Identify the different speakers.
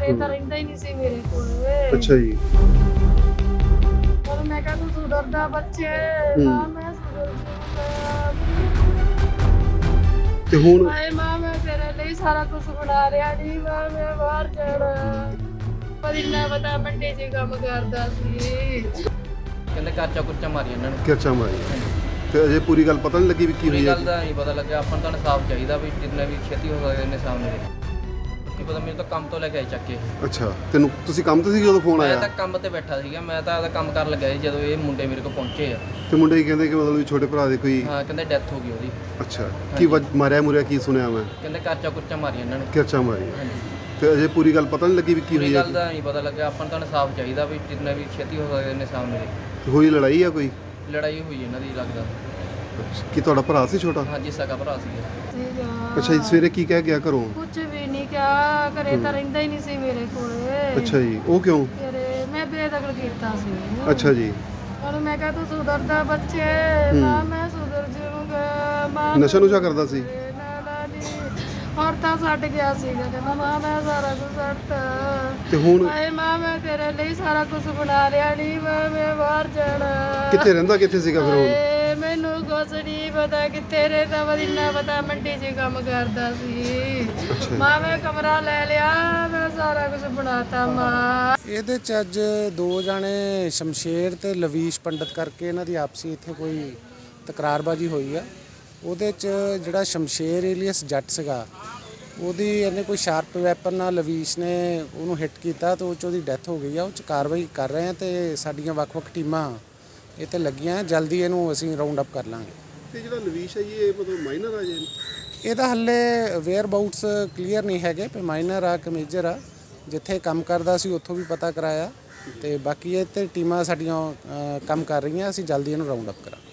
Speaker 1: ਘਰੇ ਤਾਂ ਰਹਿੰਦਾ ਹੀ ਨਹੀਂ ਸੀ ਮੇਰੇ ਕੋਲ।
Speaker 2: ਅੱਛਾ ਜੀ।
Speaker 1: ਪਰ ਮੈਂ ਕਿਹਾ ਤੂੰ ਸੁਧਰਦਾ ਬੱਚੇ, ਮਾਂ ਮੈਂ ਸੁਧਰ ਜੂਗਾ।
Speaker 2: ਤੇ ਹੁਣ
Speaker 1: ਹਾਏ ਮਾਂ ਮੈਂ ਤੇਰੇ ਲਈ ਸਾਰਾ ਕੁਝ ਬਣਾ ਰਿਹਾ ਨਹੀਂ, ਮਾਂ ਮੈਂ ਬਾਹਰ ਜਾਣਾ। ਪਰ ਇੰਨਾ ਪਤਾ ਮੰਡੀ 'ਚ ਕੰਮ ਕਰਦਾ ਸੀ।
Speaker 3: ਕਹਿੰਦੇ ਕਰਚਾ ਕੁਰਚਾ ਮਾਰੀ ਇਹਨਾਂ ਨੇ।
Speaker 2: ਕਿਰਚਾ ਮਾਰੀ ਤੇ ਅਜੇ ਪੂਰੀ ਗੱਲ ਪਤਾ ਨਹੀਂ ਲੱਗੀ ਵੀ ਕੀ
Speaker 3: ਪੂਰੀ
Speaker 2: ਹੋਈ ਹੈ।
Speaker 3: ਗੱਲ ਦਾ ਨਹੀਂ ਪਤਾ ਲੱਗਿਆ। ਆਪਾਂ ਨੂੰ ਤਾਂ ਇਨਸਾਫ ਚਾਹੀਦਾ ਵੀ ਜਿੰਨਾ ਵੀ ਛੇਤੀ ਹੋ ਸਕਦਾ ਇਹਨੇ ਸਾਹਮਣੇ ਕੀ ਪਤਾ। ਮੈਨੂੰ ਤਾਂ ਕੰਮ ਤੋਂ ਲੈ ਕੇ ਆਏ ਚੱਕ ਕੇ।
Speaker 2: ਅੱਛਾ, ਤੈਨੂੰ ਤੁਸੀਂ ਕੰਮ ਤੇ ਸੀ ਜਦੋਂ ਫੋਨ
Speaker 3: ਮੈਂ
Speaker 2: ਆਇਆ?
Speaker 3: ਤਾਂ ਕੰਮ ਤੇ ਬੈਠਾ ਸੀਗਾ। ਮੈਂ ਤਾਂ ਆਪਦਾ ਕੰਮ ਕਰਨ ਲੱਗਿਆ ਸੀ ਜਦੋਂ ਇਹ ਮੁੰਡੇ ਮੇਰੇ ਕੋਲ ਪਹੁੰਚੇ ਆ।
Speaker 2: ਤੇ ਮੁੰਡੇ ਕੀ ਕਹਿੰਦੇ ਕਿ ਮਤਲਬ ਵੀ ਛੋਟੇ ਭਰਾ ਦੇ ਕੋਈ
Speaker 3: ਹਾਂ ਕਹਿੰਦੇ ਡੈਥ ਹੋ ਗਈ ਉਹਦੀ।
Speaker 2: ਅੱਛਾ, ਕੀ ਮਾਰਿਆ ਮੁਰਿਆ ਕੀ ਸੁਣਿਆ ਮੈਂ?
Speaker 3: ਕਹਿੰਦੇ ਕਰਚਾ ਕੁਰਚਾ ਮਾਰੀ ਇਹਨਾਂ ਨੇ।
Speaker 2: ਕਿਰਚਾ ਮਾਰੀ
Speaker 3: ਹਾਂਜੀ।
Speaker 2: ਤੇ ਅਜੇ ਪੂਰੀ ਗੱਲ ਪਤਾ ਨਹੀਂ ਲੱਗੀ ਵੀ ਕੀ
Speaker 3: ਪੂਰੀ
Speaker 2: ਹੋਈ ਹੈ।
Speaker 3: ਗੱਲ ਦਾ ਨਹੀਂ ਪਤਾ ਲੱਗਿਆ। ਆਪਾਂ ਨੂੰ ਤਾਂ ਇਨਸਾਫ ਚਾਹੀਦਾ ਵੀ ਜਿੰਨਾ ਵੀ ਛੇਤੀ ਹੋ ਸਕਦਾ ਇਹਨੇ ਸਾਹਮਣੇ
Speaker 2: ਹੋਈ ਲੜਾਈ ਆ ਕੋਈ?
Speaker 3: ਲੜਾਈ ਹੋਈ ਇਹਨਾਂ ਦੀ ਲੱਗਦਾ।
Speaker 2: ਕੀ ਤੁਹਾਡਾ ਭਰਾ ਸੀ ਛੋਟਾ?
Speaker 3: ਹਾਂਜੀ ਸਕਾ ਭਰਾ ਸੀਗਾ।
Speaker 2: ਅੱਛਾ ਜੀ, ਸਵੇਰੇ ਕੀ ਕਹਿ ਗਿਆ ਘਰੋਂ?
Speaker 1: ਕੁਝ ਵੀ ਨਹੀਂ ਕਿਹਾ, ਘਰੇ ਤਾਂ ਰਹਿੰਦਾ ਹੀ ਨਹੀਂ ਸੀ ਮੇਰੇ ਕੋਲ।
Speaker 2: ਅੱਛਾ ਜੀ, ਉਹ ਕਿਉਂ?
Speaker 1: ਘਰੇ ਮੈਂ ਬੇਦਖਲ ਕੀਤਾ ਸੀ।
Speaker 2: ਅੱਛਾ ਜੀ।
Speaker 1: ਪਰ ਮੈਂ ਕਿਹਾ ਤੂੰ ਸੁਧਰਦਾ ਬੱਚੇ, ਮਾਂ ਮੈਂ ਸੁਧਰ ਜਾਊਂਗਾ। ਮਾਂ
Speaker 2: ਨਸ਼ਾ ਨੁਸ਼ਾ ਕਰਦਾ ਸੀ?
Speaker 1: ਹੋਰ ਤਾਂ ਛੱਡ ਗਿਆ ਸੀਗਾ, ਕਹਿੰਦਾ ਮਾਂ ਮੈਂ ਸਾਰਾ ਕੁਝ ਛੱਡਤਾ।
Speaker 2: ਤੇ ਹੁਣ
Speaker 1: ਹਾਏ ਮਾਂ ਮੈਂ ਤੇਰੇ ਲਈ ਸਾਰਾ ਕੁਝ ਬਣਾ ਰਿਹਾ ਨਹੀਂ, ਮਾਂ ਮੈਂ ਬਾਹਰ ਜਾਣਾ।
Speaker 2: ਕਿੱਥੇ ਰਹਿੰਦਾ, ਕਿੱਥੇ ਸੀਗਾ ਫਿਰ ਹੁਣ?
Speaker 1: ਹਾਏ, ਮੈਨੂੰ ਕੁਛ ਨਹੀਂ ਪਤਾ ਕਿੱਥੇ ਰਹਿੰਦਾ ਵਾ, ਇੰਨਾ ਪਤਾ ਮੰਡੀ 'ਚ ਕੰਮ ਕਰਦਾ ਸੀ। ਮਾਂ ਮੈਂ ਕਮਰਾ ਲੈ ਲਿਆ, ਮੈਂ ਸਾਰਾ ਕੁਝ ਬਣਾਤਾ ਮਾਂ।
Speaker 4: ਇਹਦੇ 'ਚ ਅੱਜ ਦੋ ਜਾਣੇ ਸ਼ਮਸ਼ੇਰ ਤੇ ਲਵੀਸ਼ ਪੰਡਤ ਕਰਕੇ ਇਹਨਾਂ ਦੀ ਆਪਸੀ ਇੱਥੇ ਕੋਈ ਤਕਰਾਰਬਾਜੀ ਹੋਈ ਆ। ਉਹਦੇ 'ਚ ਜਿਹੜਾ ਸ਼ਮਸ਼ੇਰ ਏਲੀਅਸ ਜੱਟ ਸੀਗਾ, ਉਹਦੀ ਇਹਨੇ ਕੋਈ ਸ਼ਾਰਪ ਵੈਪਨ ਨਾਲ ਲਵੀਸ਼ ਨੇ ਉਹਨੂੰ ਹਿੱਟ ਕੀਤਾ ਤੇ ਉਹ 'ਚ ਉਹਦੀ ਡੈਥ ਹੋ ਗਈ ਆ। ਉਹ 'ਚ ਕਾਰਵਾਈ ਕਰ ਰਹੇ ਆ ਤੇ ਸਾਡੀਆਂ ਵੱਖ-ਵੱਖ ਟੀਮਾਂ ਇਹ 'ਤੇ ਲੱਗੀਆਂ। ਜਲਦੀ ਇਹਨੂੰ ਅਸੀਂ ਰਾਉਂਡ ਅਪ ਕਰ ਲਾਂਗੇ।
Speaker 2: ਤੇ ਜਿਹੜਾ ਲਵੀਸ਼ ਹੈ ਜੀ, ਇਹ ਮਤਲਬ ਮਾਈਨਰ ਆ ਜੀ?
Speaker 4: ਇਹਦਾ ਹੱਲੇ ਵੇਅਰ ਬਾਊਟਸ ਕਲੀਅਰ ਨਹੀਂ ਹੈਗੇ ਕਿ ਮਾਈਨਰ ਆ ਕਿ ਮੇਜਰ ਆ। ਜਿੱਥੇ ਕੰਮ ਕਰਦਾ ਸੀ ਉੱਥੋਂ ਵੀ ਪਤਾ ਕਰਾਇਆ ਤੇ ਬਾਕੀ ਇਹ 'ਤੇ ਟੀਮਾਂ ਸਾਡੀਆਂ ਕੰਮ ਕਰ ਰਹੀਆਂ। ਅਸੀਂ ਜਲਦੀ ਇਹਨੂੰ ਰਾਉਂਡ ਅਪ ਕਰਾਂਗੇ।